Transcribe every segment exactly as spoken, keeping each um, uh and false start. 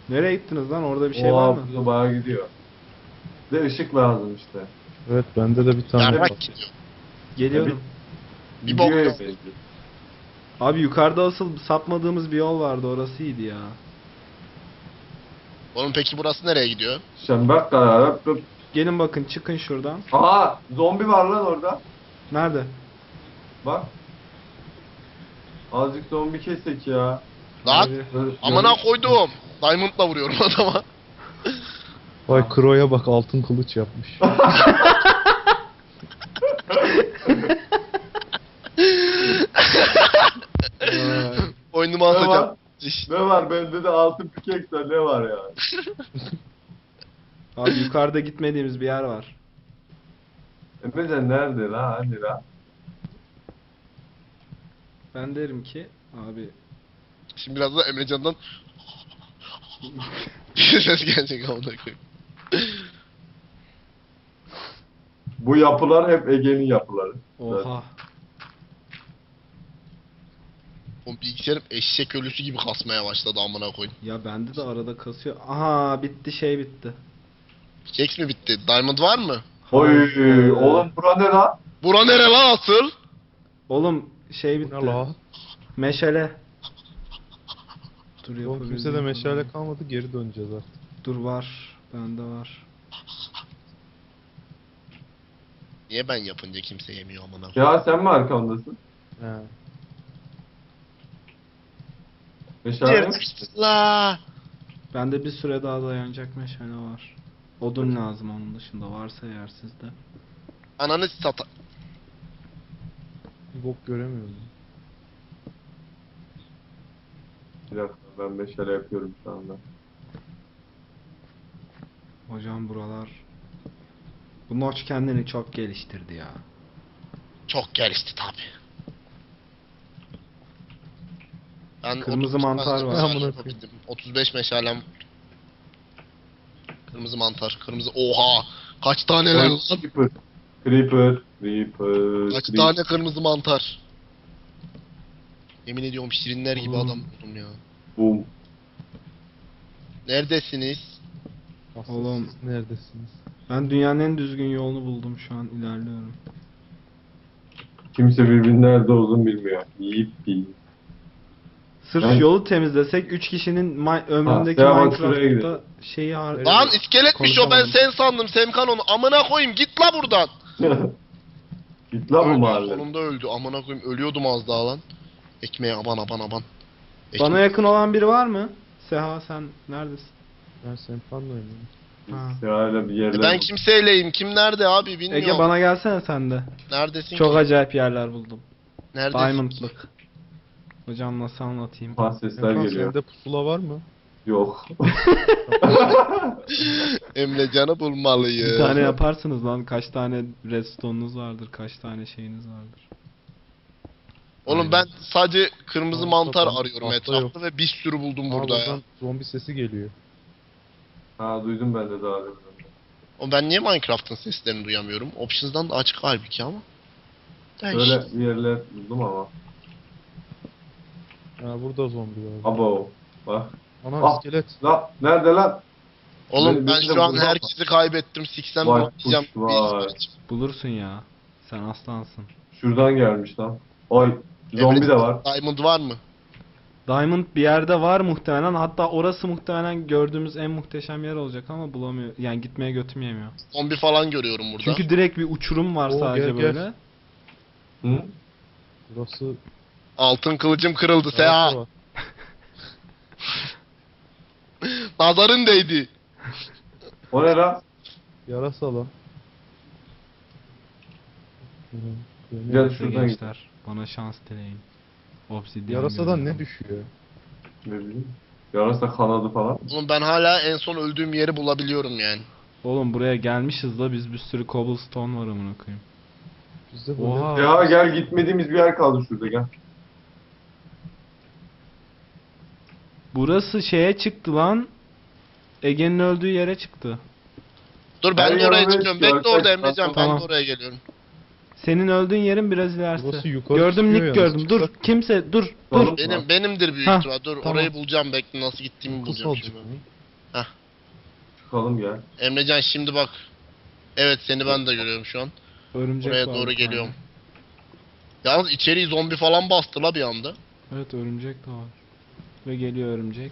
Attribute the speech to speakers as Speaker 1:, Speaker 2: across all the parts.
Speaker 1: Nereye gittiniz lan? Orada bir şey var
Speaker 2: Oha
Speaker 1: mı?
Speaker 2: burada bayağı gidiyor. Bir de ışık lazım işte.
Speaker 3: Evet bende de bir tane var.
Speaker 4: Yarrak gidiyor.
Speaker 1: Geliyorum.
Speaker 4: Bir
Speaker 2: Gidiyor
Speaker 4: bok
Speaker 2: ya
Speaker 4: yok.
Speaker 2: bence.
Speaker 1: Abi yukarıda asıl sapmadığımız bir yol vardı. Orası iyiydi ya.
Speaker 4: Oğlum peki burası nereye gidiyor?
Speaker 2: Şimdi bak da
Speaker 1: Gelin bakın, çıkın şuradan.
Speaker 2: Aha zombi var lan orada.
Speaker 1: Nerede?
Speaker 2: Bak. Azıcık zombi kesek ya.
Speaker 4: Lan
Speaker 1: Abi,
Speaker 2: Böyle-
Speaker 4: amına koydum. Diamond'la vuruyorum adama.
Speaker 3: Vay Kro'ya bak altın kılıç yapmış.
Speaker 2: Ee,
Speaker 4: Oyunumu
Speaker 2: ne
Speaker 4: asacağım.
Speaker 2: var?
Speaker 4: İş.
Speaker 2: Ne var bende de altın pikekse ne var ya?
Speaker 1: abi yukarıda gitmediğimiz bir yer var.
Speaker 2: Emrecan nerede la? Hani la?
Speaker 1: Ben derim ki abi
Speaker 4: Şimdi biraz da Emrecan'dan ses gelecek amına koyayım.
Speaker 2: Bu yapılar hep Ege'nin yapıları.
Speaker 1: oha.
Speaker 4: Oğlum bilgisayarım eşek ölüsü gibi kasmaya başladı amına koyayım.
Speaker 1: Ya bende de arada kasıyor. Aha bitti, şey bitti.
Speaker 4: Keks mi bitti? Diamond var mı?
Speaker 2: Oy
Speaker 1: Hayır.
Speaker 2: oğlum bura ne la?
Speaker 4: Bura nere lan asıl?
Speaker 1: Oğlum şey
Speaker 3: Bu
Speaker 1: bitti.
Speaker 3: ne la?
Speaker 1: Meşale. Dur
Speaker 3: Oğlum
Speaker 1: yapabildiğim
Speaker 3: kimse de meşale
Speaker 1: kadar.
Speaker 3: kalmadı, geri döneceğiz artık.
Speaker 1: Dur var. Bende var.
Speaker 4: Niye ben yapınca kimse yemiyor amına koyayım?
Speaker 2: Ya sen mi arkamdasın?
Speaker 3: He.
Speaker 2: Meşale yok.
Speaker 4: La.
Speaker 1: Bende bir süre daha dayanacak meşale var. Odun lazım onun dışında, varsa eğer sizde.
Speaker 4: Ananı sata...
Speaker 3: Bir bok göremiyorum.
Speaker 2: Bir dakika ben meşale yapıyorum şu anda.
Speaker 1: Hocam buralar... Bu Notch kendini çok geliştirdi ya.
Speaker 4: Çok gelişti tabi. Ben
Speaker 1: Kırmızı
Speaker 4: otuz beş
Speaker 1: mantar var.
Speaker 4: meşale
Speaker 3: Amına
Speaker 4: yapabildim. otuz beş meşalem. Kırmızı mantar, kırmızı... Oha! Kaç tane lan?
Speaker 2: Creeper. Creeper. Creeper.
Speaker 4: Kaç
Speaker 2: Creeper.
Speaker 4: tane kırmızı mantar? Yemin ediyorum şirinler gibi
Speaker 2: Hmm.
Speaker 4: adam oldum ya.
Speaker 2: Boom.
Speaker 4: Neredesiniz?
Speaker 3: Asıl
Speaker 1: Oğlum.
Speaker 3: siz neredesiniz?
Speaker 1: Ben dünyanın en düzgün yolunu buldum, şu an ilerliyorum.
Speaker 2: Kimse birbirinin nerede olduğunu bilmiyor. Yippi.
Speaker 1: Sırf
Speaker 2: Ben-
Speaker 1: yolu temizlesek üç kişinin ma- ömründeki
Speaker 2: Ha, ya bak şuraya
Speaker 1: Minecraft'ta
Speaker 2: gidelim.
Speaker 1: şeyi har...
Speaker 2: Evet.
Speaker 4: Lan iskeletmiş o, ben
Speaker 1: konuşamadım.
Speaker 4: sen sandım Semkan onu. Amına koyayım git la buradan.
Speaker 2: Git lan bu
Speaker 4: Öldü,
Speaker 2: mahalle.
Speaker 4: sonunda öldü. Amına koyayım ölüyordum az daha lan. Ekmeğe aban aban aban. Ekmek-
Speaker 1: Bana yakın olan biri var mı? Seha sen neredesin?
Speaker 3: Ben Sempan'la oynuyorum.
Speaker 1: Ha.
Speaker 2: Sırayla bir
Speaker 4: E
Speaker 2: yerler.
Speaker 4: ben kimseyleyim. Kim nerede abi bilmiyorum.
Speaker 1: Ege bana gelsene sen de.
Speaker 4: Neredesin
Speaker 1: Çok
Speaker 4: ki?
Speaker 1: acayip yerler buldum.
Speaker 4: Neredesin?
Speaker 1: Diamond'lık. Hocam nasıl anlatayım?
Speaker 2: Ha, sesler
Speaker 3: Sempan
Speaker 2: geliyor.
Speaker 3: sende pusula var mı?
Speaker 2: Yok.
Speaker 4: Emrecan'ı bulmalıyız.
Speaker 1: Bir tane yaparsınız lan. Kaç tane redstone'unuz vardır, kaç tane şeyiniz vardır.
Speaker 4: Oğlum ben sadece kırmızı
Speaker 3: Altta
Speaker 4: mantar
Speaker 3: tam-
Speaker 4: arıyorum
Speaker 3: altta
Speaker 4: etrafta
Speaker 3: yok.
Speaker 4: ve bir sürü buldum
Speaker 3: Aa,
Speaker 4: burada ya.
Speaker 3: buradan zombi sesi geliyor.
Speaker 2: Ha duydum ben de daha demin.
Speaker 4: O ben niye Minecraft'ın seslerini duyamıyorum? Options'dan da açık halbuki ama. Değiş.
Speaker 2: Öyle bir yerler buldum ama.
Speaker 3: Ha burada zombi var.
Speaker 2: Abo. Bak.
Speaker 3: Ana
Speaker 2: Ah.
Speaker 3: iskelet.
Speaker 2: La nerede lan?
Speaker 4: Oğlum
Speaker 2: Beni-
Speaker 4: ben
Speaker 2: beni de
Speaker 4: şu an
Speaker 2: bulmaz mı?
Speaker 4: herkesi kaybettim. Siksem
Speaker 2: Vay
Speaker 4: bulmayacağım.
Speaker 2: kuş, vay.
Speaker 1: Bulursun ya. Sen aslansın.
Speaker 2: Şuradan gelmiş lan. Oy. Zombi de var.
Speaker 4: Diamond var mı?
Speaker 1: Diamond bir yerde var muhtemelen. Hatta orası muhtemelen gördüğümüz en muhteşem yer olacak ama bulamıyor. Yani gitmeye götüm yemiyor.
Speaker 4: Zombi falan görüyorum burada.
Speaker 1: Çünkü direkt bir uçurum var
Speaker 3: Oo,
Speaker 1: sadece
Speaker 3: gel, gel.
Speaker 1: böyle.
Speaker 2: Hı?
Speaker 3: Burası...
Speaker 4: Altın kılıcım kırıldı
Speaker 3: Yarasa
Speaker 4: Seha.
Speaker 3: var.
Speaker 4: Nazarın değdi.
Speaker 2: O ne lan?
Speaker 3: Yarasa lan.
Speaker 2: Gel
Speaker 1: Neyse
Speaker 2: şuradan git.
Speaker 1: gençler, bana şans dileyin. Obsidian
Speaker 3: Yarasadan
Speaker 1: görüyorum.
Speaker 3: ne düşüyor?
Speaker 2: Ne bileyim. Yarasa kanadı falan.
Speaker 4: Oğlum ben hala en son öldüğüm yeri bulabiliyorum yani.
Speaker 1: Oğlum buraya gelmişiz da biz, bir sürü cobblestone var amına koyayım.
Speaker 3: Bizde böyle...
Speaker 1: Oha.
Speaker 2: Ya gel gitmediğimiz bir yer kaldı şurada gel.
Speaker 1: Burası şeye çıktı lan. Ege'nin öldüğü yere çıktı.
Speaker 4: Dur ben
Speaker 2: Her
Speaker 4: de oraya
Speaker 2: yanına
Speaker 4: çıkıyorum.
Speaker 2: çıkıyor,
Speaker 4: Bekle orada
Speaker 2: arkadaşlar.
Speaker 4: Emrecan. Ben
Speaker 1: Tamam.
Speaker 4: de oraya geliyorum.
Speaker 1: Senin öldüğün yerin biraz ilerisi.
Speaker 3: Burası yukarı
Speaker 1: Gördüm,
Speaker 3: çıkıyor
Speaker 1: Nick
Speaker 3: yalnız.
Speaker 1: gördüm. Dur,
Speaker 3: Çıksak-
Speaker 1: kimse dur. Dur.
Speaker 2: Tamam.
Speaker 4: Benim benimdir büyük
Speaker 1: Hah,
Speaker 4: ihtimal. Dur
Speaker 1: tamam.
Speaker 4: orayı bulacağım, bekle nasıl gittiğimi
Speaker 3: Kokusu
Speaker 4: bulacağım
Speaker 3: alacak
Speaker 4: şimdi.
Speaker 3: mı?
Speaker 2: Çıkalım gel.
Speaker 4: Emrecan şimdi bak. Evet seni ben de görüyorum şu an.
Speaker 1: Örümcek
Speaker 4: Buraya
Speaker 1: var
Speaker 4: doğru
Speaker 1: bir tane.
Speaker 4: geliyorum. Yalnız içeriği zombi falan bastı la bir anda.
Speaker 1: Evet, örümcek de var. Ve geliyor örümcek.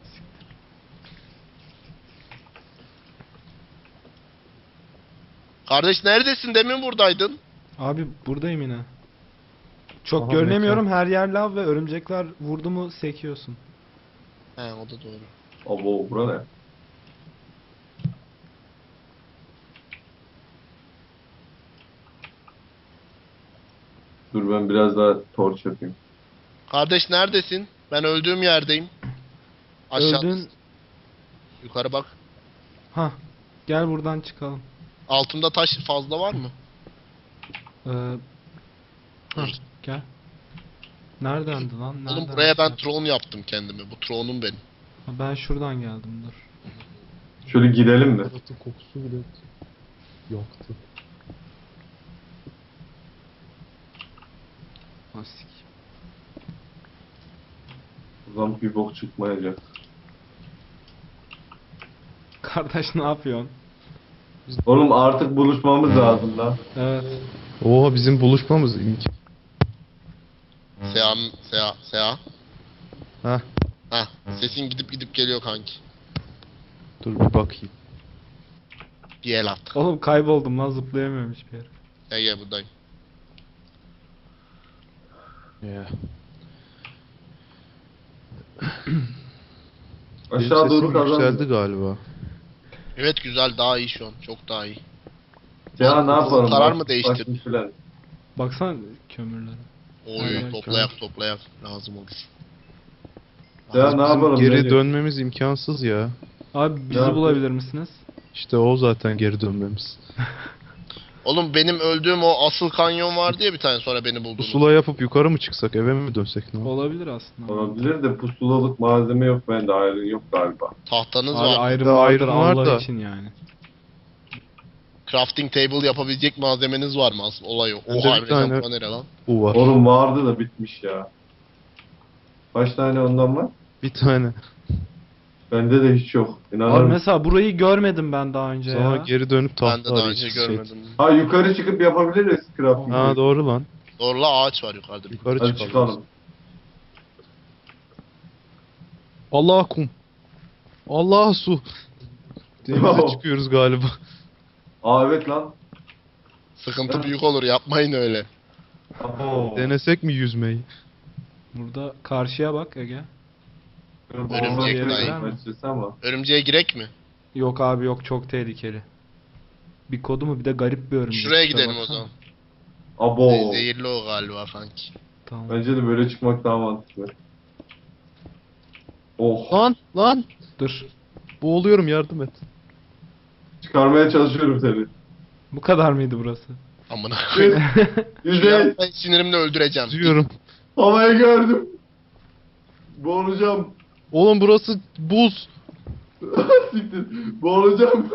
Speaker 4: Kardeş neredesin? Demin buradaydın.
Speaker 1: Abi buradayım yine. Çok
Speaker 3: Aha,
Speaker 1: görünemiyorum. Her yer lav ve örümcekler vurdu mu sekiyorsun.
Speaker 4: He o da doğru.
Speaker 2: Abo bura ne? Dur ben biraz daha torç yapayım.
Speaker 4: Kardeş neredesin? Ben öldüğüm yerdeyim. Aşağı.
Speaker 1: Öldün.
Speaker 4: Yukarı bak.
Speaker 1: Ha. Gel buradan çıkalım.
Speaker 4: Altımda taş fazla var mı?
Speaker 1: Ee, ha, gel. Neredendi lan?
Speaker 4: Oğlum
Speaker 1: Nereden
Speaker 4: buraya ben
Speaker 1: şey-
Speaker 4: tron yaptım kendime. Bu tronum benim.
Speaker 1: Ha, ben şuradan geldim, dur.
Speaker 2: Şöyle gidelim mi?
Speaker 3: Baharatın kokusu bile yaktı.
Speaker 1: Asik.
Speaker 2: Buradan bir bok çıkmayacak.
Speaker 1: Kardeş ne yapıyorsun?
Speaker 2: Oğlum artık buluşmamız lazım lan.
Speaker 1: Evet.
Speaker 3: Oha bizim buluşmamız imk.
Speaker 4: Seha, Seha, Seha.
Speaker 3: Heh.
Speaker 4: Heh, sesin gidip gidip geliyor kanki.
Speaker 3: Dur bir bakayım.
Speaker 4: Bir el at.
Speaker 1: Oğlum kayboldum lan, zıplayamıyorum hiçbir yere.
Speaker 4: Gel gel buradayım.
Speaker 3: Ya.
Speaker 2: Aşağı doğru
Speaker 3: yükseldi
Speaker 2: kazandık.
Speaker 3: galiba.
Speaker 4: Evet güzel, daha iyi şu an. Çok daha iyi.
Speaker 2: Ya ne yapalım?
Speaker 4: Karar
Speaker 2: Bak-
Speaker 4: mı değiştirdin?
Speaker 2: başka filan.
Speaker 1: Baksana kömürlere.
Speaker 4: Oy
Speaker 1: Aynen,
Speaker 4: toplayak toplayak lazım olur.
Speaker 2: Ya ne yapalım?
Speaker 3: Geri
Speaker 2: Necip?
Speaker 3: dönmemiz imkansız ya.
Speaker 1: Abi bizi
Speaker 2: Ya,
Speaker 1: bulabilir misiniz?
Speaker 3: İşte o zaten geri dönmemiz.
Speaker 4: Oğlum benim öldüğüm o asıl kanyon vardı ya bir tane, sonra beni buldunuz.
Speaker 3: Pusula yapıp yukarı mı çıksak, eve mi dönsek ne olur?
Speaker 1: Olabilir aslında.
Speaker 2: Olabilir de pusulalık malzeme yok bende, ayrı yok galiba.
Speaker 4: Tahtanız
Speaker 1: Abi
Speaker 4: var.
Speaker 1: ayrım
Speaker 3: Daha
Speaker 1: vardır
Speaker 3: ayrım var
Speaker 1: Allah
Speaker 3: da.
Speaker 1: için yani.
Speaker 4: Crafting table yapabilecek malzemeniz var mı asıl olay o.
Speaker 3: Bende
Speaker 4: Oha
Speaker 3: bir
Speaker 4: Emrecan
Speaker 3: tane-
Speaker 4: bu nere lan?
Speaker 3: Bu var.
Speaker 2: Oğlum vardı da bitmiş ya. Kaç tane ondan var?
Speaker 3: Bir tane.
Speaker 2: Bende de hiç yok. İnanır
Speaker 1: Abi
Speaker 2: mısın?
Speaker 1: mesela burayı görmedim ben daha önce
Speaker 3: Sonra
Speaker 1: ya.
Speaker 3: geri dönüp
Speaker 4: Ben
Speaker 3: tahta
Speaker 4: de daha önce
Speaker 3: arayacağız.
Speaker 4: görmedim.
Speaker 2: Ha yukarı çıkıp yapabiliriz crafting.
Speaker 3: Ha doğru lan.
Speaker 4: Doğru la, ağaç var yukarıda. bir.
Speaker 3: Yukarı
Speaker 2: Hadi
Speaker 3: çıkalım.
Speaker 2: çıkalım.
Speaker 3: Allah kum. Allah su. Denize çıkıyoruz galiba.
Speaker 2: Aa evet lan.
Speaker 4: Sıkıntı büyük olur, yapmayın öyle.
Speaker 2: Abo.
Speaker 3: Denesek mi yüzmeyi?
Speaker 1: Burada karşıya bak Ege.
Speaker 4: Örümcek
Speaker 1: Yere
Speaker 4: dayı.
Speaker 1: girer mi?
Speaker 2: ama.
Speaker 4: Örümceğe girek mi?
Speaker 1: Yok abi yok, çok tehlikeli. Bir kodu mu, bir de garip bir örümcek.
Speaker 4: Şuraya
Speaker 1: İşte
Speaker 4: gidelim o
Speaker 1: baksana.
Speaker 4: zaman.
Speaker 2: Abo.
Speaker 4: Ze- Zehirli o galiba kanki.
Speaker 1: Tamam.
Speaker 2: Bence de böyle çıkmak daha mantıklı. Oh.
Speaker 3: Lan lan.
Speaker 1: Dur.
Speaker 3: Boğuluyorum, yardım et.
Speaker 2: Çıkarmaya çalışıyorum seni.
Speaker 1: Bu kadar mıydı burası?
Speaker 4: Amına koyayım.
Speaker 2: Yüzey.
Speaker 4: Ben sinirimle öldüreceğim.
Speaker 3: Yüzüyorum.
Speaker 2: Havayı gördüm. Boğulacağım.
Speaker 3: Oğlum burası buz.
Speaker 2: Siktir. Boğulacağım.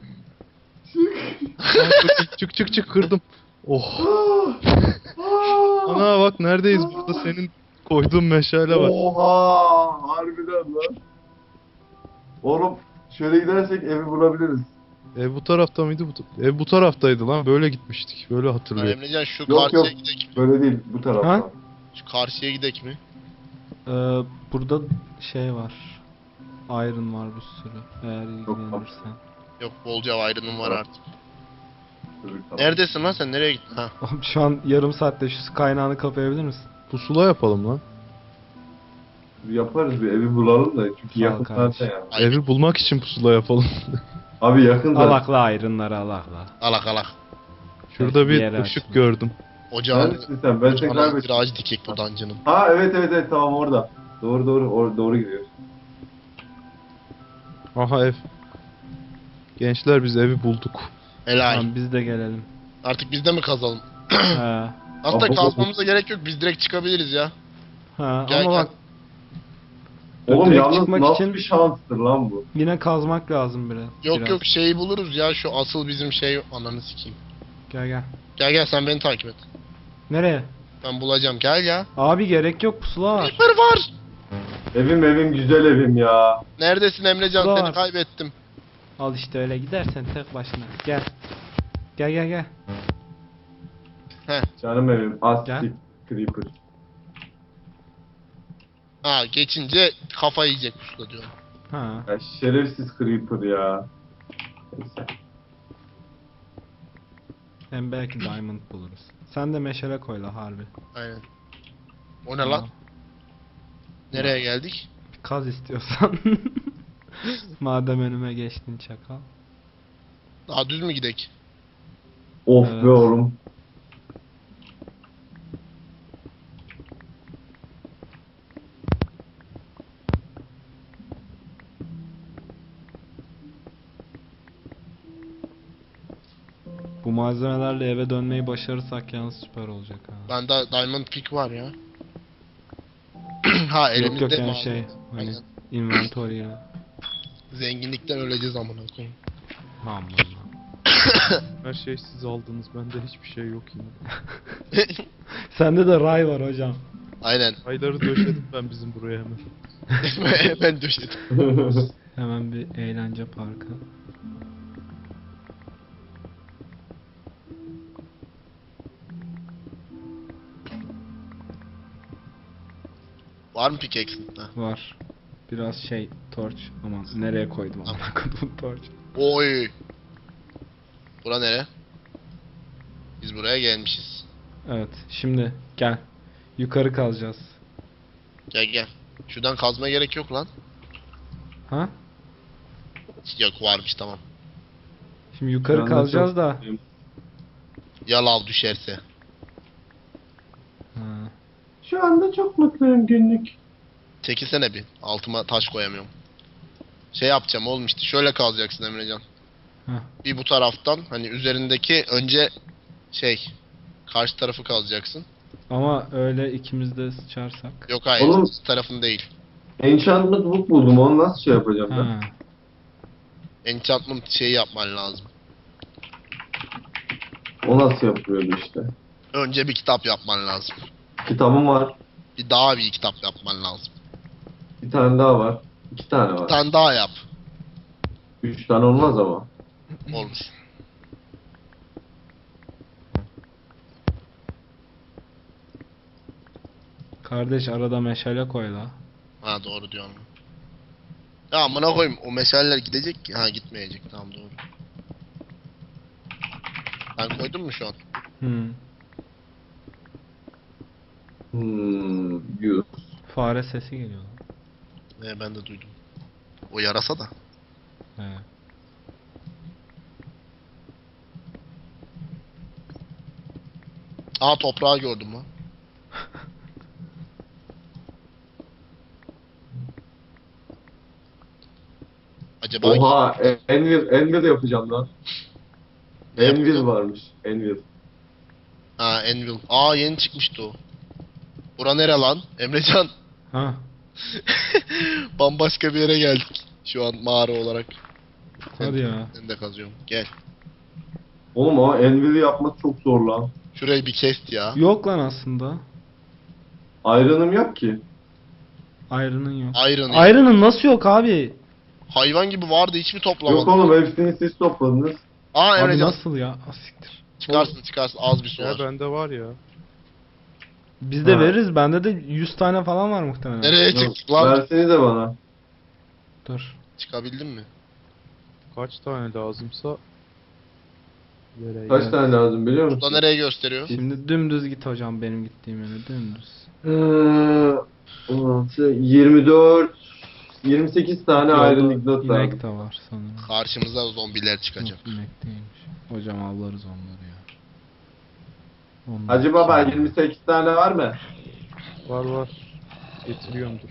Speaker 2: Çık.
Speaker 3: Çık çık çık kırdım. Oh.
Speaker 2: Ah.
Speaker 3: Ana bak neredeyiz, burada senin koyduğun meşale var.
Speaker 2: Oha! Harbiden lan. Oğlum şöyle gidersek evi bulabiliriz.
Speaker 3: Ev bu tarafta mıydı? Bu ev bu taraftaydı lan, böyle gitmiştik. Böyle
Speaker 4: Ha,
Speaker 3: hatırlıyorum.
Speaker 4: Emrecan şu
Speaker 2: Yok,
Speaker 4: karşıya
Speaker 2: yok.
Speaker 4: gidek mi?
Speaker 2: Böyle değil bu taraftan.
Speaker 1: Ha?
Speaker 4: Şu karşıya gidek mi?
Speaker 1: Ee, burada şey var. Iron var bir sürü. Eğer ilgilenirsen.
Speaker 4: Yok bolca ayrının var
Speaker 2: Evet.
Speaker 4: artık.
Speaker 2: Öbür taraf.
Speaker 4: Neredesin lan sen? Nereye gittin? Ha.
Speaker 1: Oğlum şu an yarım saatte şu su kaynağını kapayabilir misin?
Speaker 3: Pusula yapalım lan.
Speaker 2: Yaparız bir evi bulalım da çünkü
Speaker 1: Sağ ol
Speaker 2: yakın
Speaker 1: kardeşim.
Speaker 2: zaten ya.
Speaker 4: Ay,
Speaker 3: Evi bulmak için pusula yapalım.
Speaker 2: Abi yakın zaten.
Speaker 1: Alakla iron'ları alakla.
Speaker 4: alak alak.
Speaker 3: Şurada
Speaker 1: Bir
Speaker 3: bir
Speaker 1: yere
Speaker 3: ışık
Speaker 1: açtım.
Speaker 3: gördüm.
Speaker 4: Ocağın,
Speaker 2: Neredesin sen? Ben seni
Speaker 4: ocağın
Speaker 2: kaybettim.
Speaker 4: bir ağacı dikek bu dungeon'ın.
Speaker 2: Ha evet evet evet tamam orada. Doğru doğru or doğru gidiyoruz.
Speaker 3: Aha ev. Gençler biz evi bulduk.
Speaker 4: Helal.
Speaker 1: Tamam biz de gelelim.
Speaker 4: Artık biz de mi kazalım?
Speaker 1: He.
Speaker 4: Aslında
Speaker 2: Abi,
Speaker 4: kazmamıza gerek yok. Biz direkt çıkabiliriz ya.
Speaker 1: Ha
Speaker 4: Gel,
Speaker 1: ama
Speaker 4: gel.
Speaker 1: bak
Speaker 2: Oğlum
Speaker 1: Direkt
Speaker 2: yalnız
Speaker 1: çıkmak
Speaker 2: nasıl
Speaker 1: için-
Speaker 2: bir şanstır lan bu.
Speaker 1: yine kazmak lazım biraz.
Speaker 4: Yok
Speaker 1: biraz.
Speaker 4: yok şeyi buluruz ya, şu asıl bizim şey, ananı sikeyim.
Speaker 1: Gel gel.
Speaker 4: Gel gel sen beni takip et.
Speaker 1: Nereye?
Speaker 4: Ben bulacağım gel ya.
Speaker 1: Abi gerek yok, pusula var.
Speaker 4: Creeper var.
Speaker 2: Evim evim güzel evim ya.
Speaker 4: Neredesin Emrecan
Speaker 1: Var.
Speaker 4: seni kaybettim.
Speaker 1: Al işte öyle gidersen tek başına. Gel. Gel gel gel.
Speaker 2: Canım evim. Astik
Speaker 1: Gel.
Speaker 2: Creeper.
Speaker 4: Ha geçince kafa yiyecek pusula diyorum.
Speaker 1: Ha.
Speaker 2: Ya şerefsiz Creeper ya. Neyse.
Speaker 1: Hem belki diamond buluruz. Sen de meşale koy la harbi.
Speaker 4: Aynen. O ne lan? Nereye geldik?
Speaker 1: Bir kaz istiyorsan. Madem önüme geçtin çakal.
Speaker 4: Daha düz mü gidek?
Speaker 2: Of
Speaker 1: Evet.
Speaker 2: be oğlum.
Speaker 1: Bu malzemelerle eve dönmeyi başarırsak yalnız süper olacak ha.
Speaker 4: Bende diamond pick var ya. Ha
Speaker 1: Yok
Speaker 4: elimizde
Speaker 1: yok yani
Speaker 4: mi
Speaker 1: şey
Speaker 4: aldın?
Speaker 1: hani
Speaker 4: Aynen.
Speaker 1: inventory ya.
Speaker 4: Zenginlikten öleceğiz amına koyayım.
Speaker 1: Aman lan.
Speaker 3: Her şey siz aldınız. Bende hiçbir şey yok yine.
Speaker 1: Sende de ray var hocam.
Speaker 4: Aynen.
Speaker 3: Ayları döşedim ben bizim buraya hemen.
Speaker 4: Ben döşedim.
Speaker 1: Hemen bir eğlence parkı.
Speaker 4: Var mı pickaxe'in? Ha.
Speaker 1: Var. Biraz şey torch. Aman nereye koydum amına koydum torch.
Speaker 4: Oy. Bura nere? Biz buraya gelmişiz.
Speaker 1: Evet şimdi gel. Yukarı kalacağız.
Speaker 4: Gel gel. Şuradan kazma gerek yok lan.
Speaker 1: Ha?
Speaker 4: Yok varmış tamam.
Speaker 1: Şimdi yukarı
Speaker 2: Ben de
Speaker 1: kalacağız
Speaker 2: çok-
Speaker 1: da.
Speaker 4: Ya lav düşerse.
Speaker 1: Ha.
Speaker 2: Şu anda çok mutluyum günlük.
Speaker 4: Çekilsene bir. Altıma taş koyamıyorum. Şey yapacağım oğlum işte şöyle kalacaksın Emrecan.
Speaker 1: Heh.
Speaker 4: Bir bu taraftan hani üzerindeki önce şey karşı tarafı kazacaksın.
Speaker 1: Ama öyle ikimiz de sıçarsak.
Speaker 4: Yok hayır
Speaker 2: Oğlum-
Speaker 4: tarafın değil.
Speaker 2: Enchantment book buldum. Onu nasıl şey yapacağım ben?
Speaker 1: Ha.
Speaker 4: Enchantment şeyi yapman lazım.
Speaker 2: O nasıl yapıyordu işte.
Speaker 4: Önce bir kitap yapman lazım.
Speaker 2: Kitabım var.
Speaker 4: Bir daha bir kitap yapman lazım.
Speaker 2: Bir tane daha var. İki tane
Speaker 4: Bir
Speaker 2: var.
Speaker 4: tane daha yap.
Speaker 2: Üç tane olmaz ama.
Speaker 4: Olur.
Speaker 1: Kardeş arada meşale koy la.
Speaker 4: Ha doğru diyorsun. Ya amına koyayım o meseleler gidecek ki. Ha gitmeyecek tamam doğru. Ben koydum mu şu an?
Speaker 1: Hmm.
Speaker 2: Hmm, yüz.
Speaker 1: Fare sesi geliyor lan.
Speaker 4: Ee, ben de duydum. O yarasa da.
Speaker 1: He.
Speaker 4: Aa toprağı gördüm lan. Acaba
Speaker 2: Oha, e- Envil, Envil yapacağım lan. Envil varmış, Envil.
Speaker 4: Ha Anvil. Aa yeni çıkmıştı o. Bura nere lan? Emrecan.
Speaker 1: Ha.
Speaker 4: Bambaşka bir yere geldik. Şu an mağara olarak.
Speaker 1: Hadi ya.
Speaker 4: Ben de kazıyorum. Gel.
Speaker 2: Oğlum ama Envil'i yapmak çok zor lan.
Speaker 4: Şurayı bir kest ya.
Speaker 1: Yok lan aslında.
Speaker 2: Iron'ım yok ki.
Speaker 1: Iron'ın yok.
Speaker 4: Iron. ya.
Speaker 1: Iron'ın nasıl yok abi?
Speaker 4: Hayvan gibi vardı hiç mi
Speaker 2: Yok
Speaker 4: toplamadın?
Speaker 2: oğlum hepsini siz topladınız.
Speaker 4: Aa
Speaker 1: Abi
Speaker 4: Emrecan.
Speaker 1: nasıl ya? Asiktir.
Speaker 4: Çıkarsın çıkarsın az bir su
Speaker 3: Ya
Speaker 4: var.
Speaker 3: bende var ya.
Speaker 1: Biz de
Speaker 2: Ha.
Speaker 1: veririz. Bende de yüz tane falan var muhtemelen.
Speaker 4: Nereye
Speaker 2: Yok,
Speaker 4: çıktık lan?
Speaker 2: versenize bana.
Speaker 1: Dur.
Speaker 4: Çıkabildin mi?
Speaker 3: Kaç tane lazımsa vereyim.
Speaker 2: Kaç
Speaker 1: Evet.
Speaker 2: tane lazım biliyor
Speaker 4: Burada
Speaker 2: musun?
Speaker 4: nereye gösteriyor?
Speaker 1: Şimdi dümdüz git hocam benim gittiğim yöne dümdüz.
Speaker 2: Ee, on altı, yirmi dört, yirmi sekiz tane
Speaker 1: Yolda
Speaker 2: Iron Ignot lazım.
Speaker 1: inek de var sanırım.
Speaker 4: Karşımıza zombiler çıkacak.
Speaker 1: Yok, inek değilmiş. Hocam avlarız onları ya. Onlar
Speaker 2: Hacı Baba
Speaker 1: kim?
Speaker 2: yirmi sekiz tane var mı?
Speaker 3: Var var. Getiriyorumdur.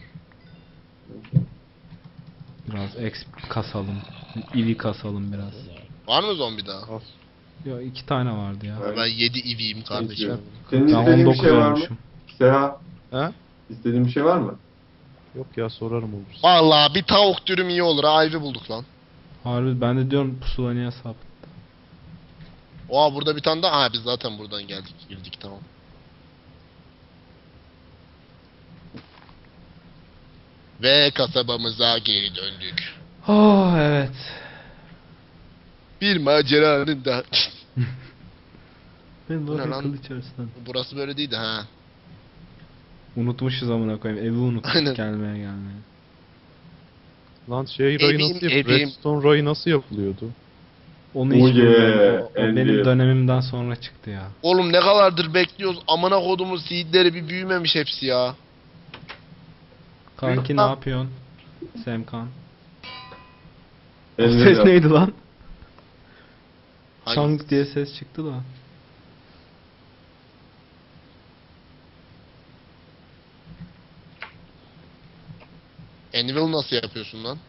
Speaker 1: Biraz exp kasalım. İvi kasalım biraz.
Speaker 4: Var mı zombi daha?
Speaker 3: Al.
Speaker 1: Ya iki tane vardı ya.
Speaker 2: Evet.
Speaker 4: Ben yedi iviyim kardeşim.
Speaker 2: Senin
Speaker 1: Ben
Speaker 2: istediğin
Speaker 1: on
Speaker 2: bir
Speaker 1: dokuz
Speaker 2: şey var mı?
Speaker 1: olmuşum.
Speaker 2: Seha,
Speaker 3: He?
Speaker 2: istediğin bir şey var mı?
Speaker 3: Yok ya sorarım olursa.
Speaker 4: Vallahi bir tavuk dürüm iyi olur. Ayvi bulduk lan.
Speaker 1: Harbi ben de diyorum pusula niye sap.
Speaker 4: Oha burada bir tane daha. Ha biz zaten buradan geldik. Girdik tamam. Ve kasabamıza geri döndük.
Speaker 1: Oh evet.
Speaker 4: Bir maceranın da.
Speaker 1: Ben
Speaker 4: Bu ne
Speaker 1: de
Speaker 4: lan?
Speaker 1: kılıç arasından.
Speaker 4: Burası böyle değildi ha.
Speaker 1: Unutmuşuz amına koyayım. Evi unuttuk
Speaker 4: Aynen.
Speaker 1: gelmeye gelmeye.
Speaker 3: Lan şey rayı
Speaker 4: Evim,
Speaker 3: nasıl yapılıyor?
Speaker 4: evim.
Speaker 3: Redstone rayı nasıl yapılıyordu?
Speaker 1: Onu
Speaker 2: Oh
Speaker 1: hiç bilmiyorum.
Speaker 2: yeah,
Speaker 1: O, o benim
Speaker 2: Andy.
Speaker 1: dönemimden sonra çıktı ya.
Speaker 4: Oğlum ne kadardır bekliyoruz. Amına kodumuz seedleri bir büyümemiş hepsi ya.
Speaker 1: Kanki ne yapıyorsun? Semkan. O
Speaker 2: Elleri
Speaker 1: ses
Speaker 2: yap.
Speaker 1: neydi lan?
Speaker 4: Hangi-
Speaker 1: Çang diye ses çıktı da.
Speaker 4: Anvil nasıl yapıyorsun lan?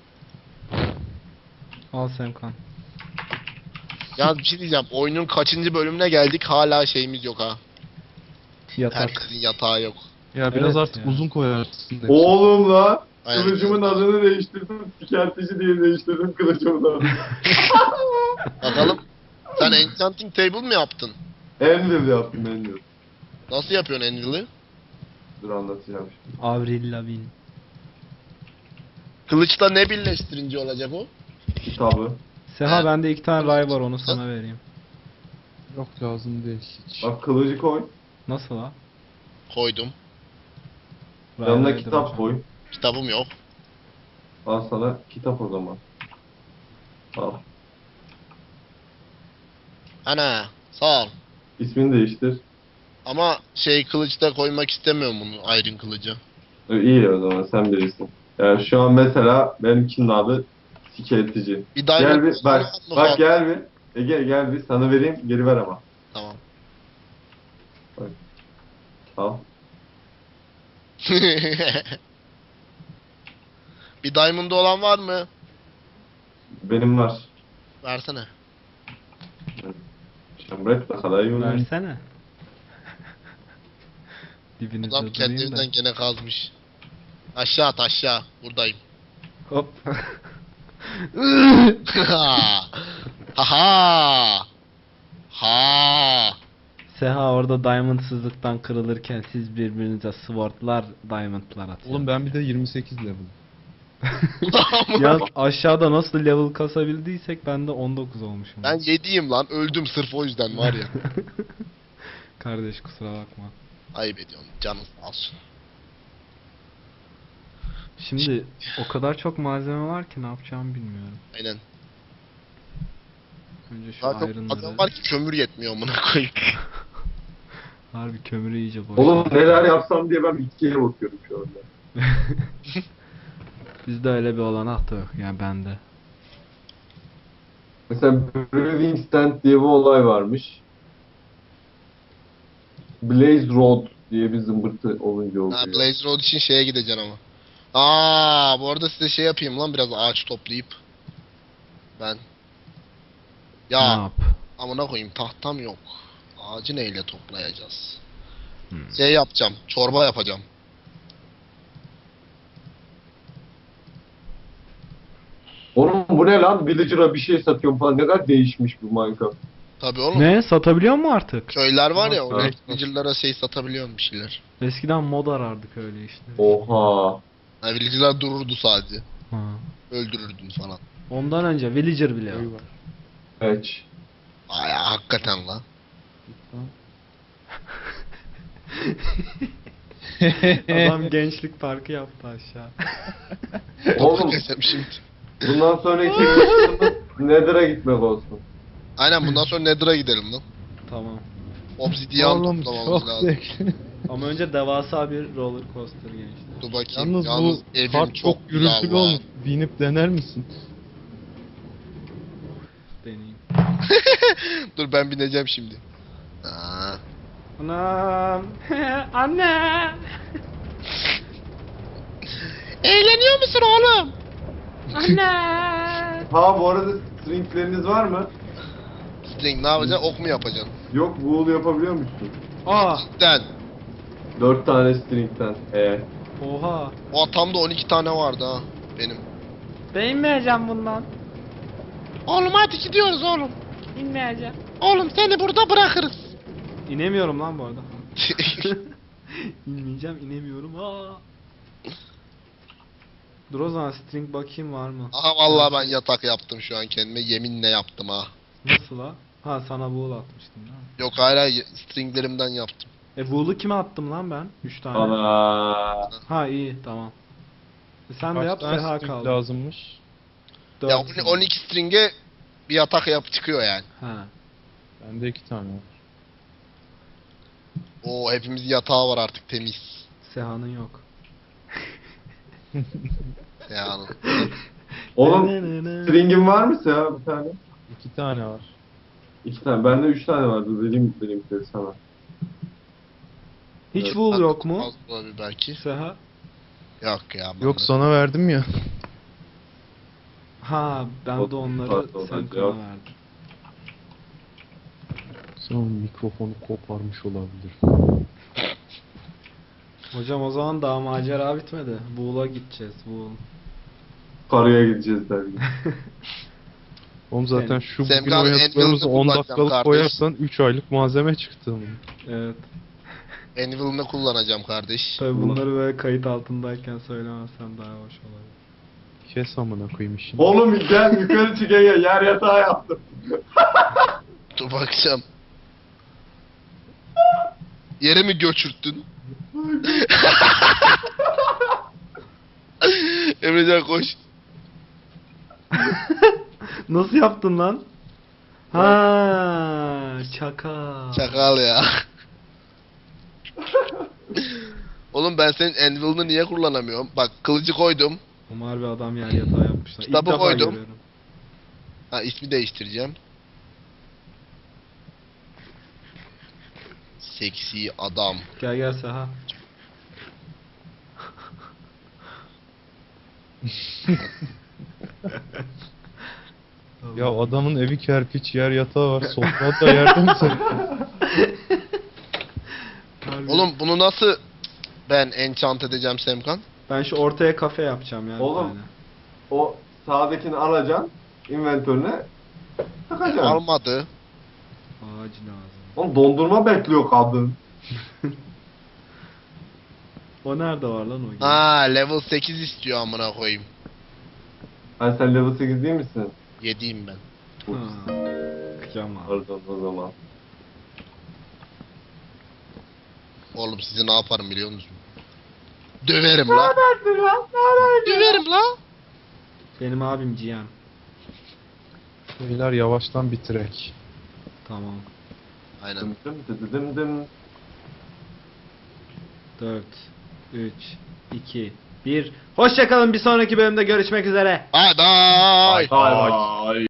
Speaker 1: Al Semkan.
Speaker 4: Ya bir şey diyeceğim. Oyunun kaçıncı bölümüne geldik hala şeyimiz yok ha.
Speaker 1: Yatak.
Speaker 4: Herkesin yatağı yok.
Speaker 3: Ya biraz
Speaker 1: Evet
Speaker 3: artık
Speaker 1: ya.
Speaker 3: uzun koyarsın. hepsini.
Speaker 2: Oğlum la.
Speaker 4: Aynen.
Speaker 2: Kılıcımın adını değiştirdim. Sikertici diye değiştirdim kılıcımın adını.
Speaker 4: Bakalım. Sen enchanting table mi yaptın?
Speaker 2: Anvil yaptım Anvil.
Speaker 4: Nasıl yapıyorsun Anvil'i?
Speaker 2: Dur anlatacağım şimdi.
Speaker 1: Avril Lavigne.
Speaker 4: Kılıçla ne birleştirince olacak o?
Speaker 2: Kitabı.
Speaker 1: Seha
Speaker 4: Evet.
Speaker 1: bende iki tane ray var onu sana vereyim.
Speaker 3: Yok lazım değil hiç.
Speaker 2: Bak kılıcı koy.
Speaker 1: Nasıl ha?
Speaker 4: Koydum.
Speaker 1: Ray
Speaker 2: Yanına
Speaker 1: raydır
Speaker 2: kitap
Speaker 1: hocam.
Speaker 2: koy.
Speaker 4: Kitabım yok.
Speaker 2: Al sana kitap o zaman. Al.
Speaker 4: Ana sağ ol.
Speaker 2: İsmini değiştir.
Speaker 4: Ama şey kılıçta koymak istemiyorum bunu Iron kılıcı.
Speaker 2: E, İyi o zaman sen bilirsin. Yani şu an mesela benimkinin adı sikertici.
Speaker 4: Bir
Speaker 2: Gel
Speaker 4: diamond
Speaker 2: bir bak
Speaker 4: mı
Speaker 2: bak
Speaker 4: falan?
Speaker 2: gel bir. Ege gel bir sana vereyim geri ver ama.
Speaker 4: Tamam.
Speaker 2: Al.
Speaker 4: Bir diamond'ı olan var mı?
Speaker 2: Benim var.
Speaker 4: Versene.
Speaker 2: Şambret bakalım.
Speaker 1: Versene. Dibinizde
Speaker 4: Adam kendi
Speaker 1: durayım da.
Speaker 4: evinden gene kazmış. Aşağı at aşağı. Buradayım.
Speaker 1: Hop.
Speaker 4: Haha. Ha.
Speaker 1: Seha orada diamondsızlıktan kırılırken siz birbirinize swordlar, diamondlar atın.
Speaker 3: Oğlum ben bir de yirmi sekiz level.
Speaker 1: Ya aşağıda nasıl level kasabildiysek ben de on dokuz olmuşum.
Speaker 4: Ben yediyim lan. Öldüm sırf o yüzden var ya.
Speaker 1: Kardeş kusura bakma.
Speaker 4: Ayıp ediyorsun. Canın sağ olsun.
Speaker 1: Şimdi o kadar çok malzeme var ki ne yapacağımı bilmiyorum.
Speaker 4: Aynen.
Speaker 1: Önce şu
Speaker 4: Zaten
Speaker 1: iron'ları...
Speaker 4: adam var ki kömür yetmiyor amına koyayım.
Speaker 1: Harbi kömürü iyice boş.
Speaker 2: Oğlum neler yapsam diye ben bitkiye bakıyorum şu anda.
Speaker 1: Bizde öyle bir olanak da yok yani bende.
Speaker 2: Mesela Brewing Stand diye bir olay varmış. Blaze Road diye bir zımbırtı olunca oluyor.
Speaker 4: Ha, Blaze Road için şeye gideceksin ama. Aa, bu arada size şey yapayım lan biraz ağaç toplayıp. Ben.
Speaker 1: Ne
Speaker 4: Ya
Speaker 1: yap?
Speaker 4: amına koyayım tahtam yok. Ağacı neyle toplayacağız?
Speaker 1: Hmm.
Speaker 4: Şey yapacağım. Çorba yapacağım.
Speaker 2: Oğlum bu ne lan? Villager'a bir şey satıyorum falan. Ne kadar değişmiş bu Minecraft.
Speaker 4: Tabii oğlum.
Speaker 1: Ne? Satabiliyor mu artık?
Speaker 4: Köyler var ya,
Speaker 2: Nasıl?
Speaker 4: orada villager'lara şey satabiliyorsun bir şeyler.
Speaker 1: Eskiden mod arardık öyle işte.
Speaker 2: Oha.
Speaker 4: Ha, villager'lar dururdu sadece.
Speaker 1: Ha.
Speaker 4: Öldürürdün falan.
Speaker 1: Ondan önce villager bile
Speaker 3: Köy
Speaker 1: yok.
Speaker 3: var.
Speaker 2: Evet.
Speaker 4: Ay hakikaten lan.
Speaker 1: Adam gençlik parkı yaptı aşağı.
Speaker 2: Oğlum
Speaker 4: Kesem şimdi.
Speaker 2: bundan sonraki misyonumuz Nether'a gitmek olsun.
Speaker 4: Aynen bundan sonra Nether'a gidelim lan.
Speaker 1: Tamam.
Speaker 4: Obsidian
Speaker 3: Oğlum
Speaker 4: toplamamız
Speaker 3: çok
Speaker 4: lazım.
Speaker 3: zevkli.
Speaker 1: Ama önce devasa bir roller coaster gençler.
Speaker 4: Dur bakayım.
Speaker 3: Yalnız,
Speaker 4: Yalnız
Speaker 3: bu
Speaker 4: evim
Speaker 3: kart çok
Speaker 4: güzel
Speaker 3: gürültülü
Speaker 4: lan.
Speaker 3: olmuş. Binip dener misin?
Speaker 1: Deneyim.
Speaker 4: Dur ben bineceğim şimdi. Aa.
Speaker 1: Anam. Anne.
Speaker 4: Eğleniyor musun oğlum?
Speaker 1: Anne.
Speaker 2: Ha bu arada stringleriniz var mı?
Speaker 4: String ne yapacaksın? Ok mu yapacaksın?
Speaker 2: Yok wool yapabiliyor musun?
Speaker 1: Aa.
Speaker 4: Den.
Speaker 2: Dört tane stringten. Ee.
Speaker 1: Oha.
Speaker 4: O tam da on iki tane vardı ha. Benim.
Speaker 1: Ben inmeyeceğim bundan.
Speaker 4: Oğlum hadi gidiyoruz oğlum.
Speaker 1: İnmeyeceğim.
Speaker 4: Oğlum seni burada bırakırız.
Speaker 1: İnemiyorum lan bu arada. İnmeyeceğim, inemiyorum. Aa. Dur o zaman string bakayım var mı?
Speaker 4: Aha vallahi ben yatak yaptım şu an kendime. Yeminle yaptım ha.
Speaker 1: Nasıl ha? Ha sana wool atmıştım değil mi?
Speaker 4: Yok hala stringlerimden yaptım.
Speaker 1: E wool'u kime attım lan ben? üç tane.
Speaker 2: Ana.
Speaker 1: Ha iyi tamam. E sen de
Speaker 3: Kaç
Speaker 1: yap
Speaker 3: tane
Speaker 1: Seha
Speaker 3: string
Speaker 1: kaldı.
Speaker 3: lazımmış?
Speaker 1: Dört
Speaker 4: Ya
Speaker 1: string.
Speaker 4: on iki string'e bir yatak yap çıkıyor yani.
Speaker 1: Ha.
Speaker 3: Bende iki tane var.
Speaker 4: Oo hepimizin yatağı var artık temiz.
Speaker 1: Seha'nın yok.
Speaker 4: Yani.
Speaker 2: Oğlum string'in var mı ya bir tane?
Speaker 3: İki tane var.
Speaker 2: İki tane. Bende üç tane vardı. Vereyim vereyim dedi sana.
Speaker 1: Hiç
Speaker 2: Evet.
Speaker 1: wool yok mu?
Speaker 4: Az olabilir belki.
Speaker 1: Seha?
Speaker 4: Yok ya.
Speaker 3: Yok
Speaker 4: bende.
Speaker 3: sana verdim ya.
Speaker 1: Ha ben
Speaker 2: O-
Speaker 1: de onları
Speaker 2: pardon,
Speaker 1: sen
Speaker 2: hadi ya.
Speaker 1: kana verdim.
Speaker 3: Sen mikrofonu koparmış olabilir.
Speaker 1: Hocam o zaman daha macera bitmedi. Wool'a gideceğiz. Wool.
Speaker 2: Karaya gideceğiz dergi.
Speaker 3: Oğlum zaten şu bugün
Speaker 4: Semkan
Speaker 3: oynadıklarımızı
Speaker 4: Anvil'de
Speaker 3: on
Speaker 4: kullanacağım
Speaker 3: dakikalık
Speaker 4: kardeş.
Speaker 3: koyarsan üç aylık malzeme çıktı.
Speaker 1: Evet.
Speaker 4: Anvil'ını kullanacağım kardeş.
Speaker 1: Tabii bunları böyle kayıt altındayken söylemezsem daha hoş olabilir.
Speaker 3: Kes amına koyayım işini.
Speaker 2: Oğlum gel yukarı çık ya. Yer yatağı yaptım.
Speaker 4: Dur bakacağım. Yere mi göçürttün? Emrecan koş.
Speaker 1: Nasıl yaptın lan? Ha, şaka.
Speaker 4: Çakal ya. Oğlum ben senin Anvil'ını niye kullanamıyorum? Bak kılıcı koydum.
Speaker 1: Umar bir adam yer yatağı yapmışlar. İlk
Speaker 4: Kitabı
Speaker 1: defa
Speaker 4: koydum.
Speaker 1: görüyorum.
Speaker 4: Ha ismi değiştireceğim. Seksi adam.
Speaker 1: Gel gel Seha.
Speaker 3: Ya adamın evi kerpiç, yer yatağı var. Sofra da yerde mi sen?
Speaker 1: Harbi.
Speaker 4: Oğlum bunu nasıl ben enchant edeceğim Semkan?
Speaker 1: Ben şu ortaya kafe yapacağım ya. bir
Speaker 2: Oğlum.
Speaker 1: tane.
Speaker 2: O sağdakini alacaksın. Inventörüne takacaksın.
Speaker 4: Almadı.
Speaker 1: Ağacı lazım.
Speaker 2: Oğlum dondurma bekliyor kadın.
Speaker 1: O nerede var lan o? gene?
Speaker 4: Ha level sekiz istiyor amına koyayım.
Speaker 2: Ha sen level sekiz değil misin?
Speaker 4: Yediyim ben.
Speaker 1: Ha. Kıyamam.
Speaker 2: Pardon o zaman.
Speaker 4: Oğlum sizi ne yaparım biliyor musun? Döverim la. Döverim la.
Speaker 1: Benim abim G M.
Speaker 3: Beyler yavaştan bitirek.
Speaker 1: Tamam.
Speaker 4: Aynen.
Speaker 2: Dım dım dım dım dım.
Speaker 1: dört, üç, iki, bir. Hoşçakalın, bir sonraki bölümde görüşmek üzere.
Speaker 4: Bye bye.
Speaker 2: Bay bay.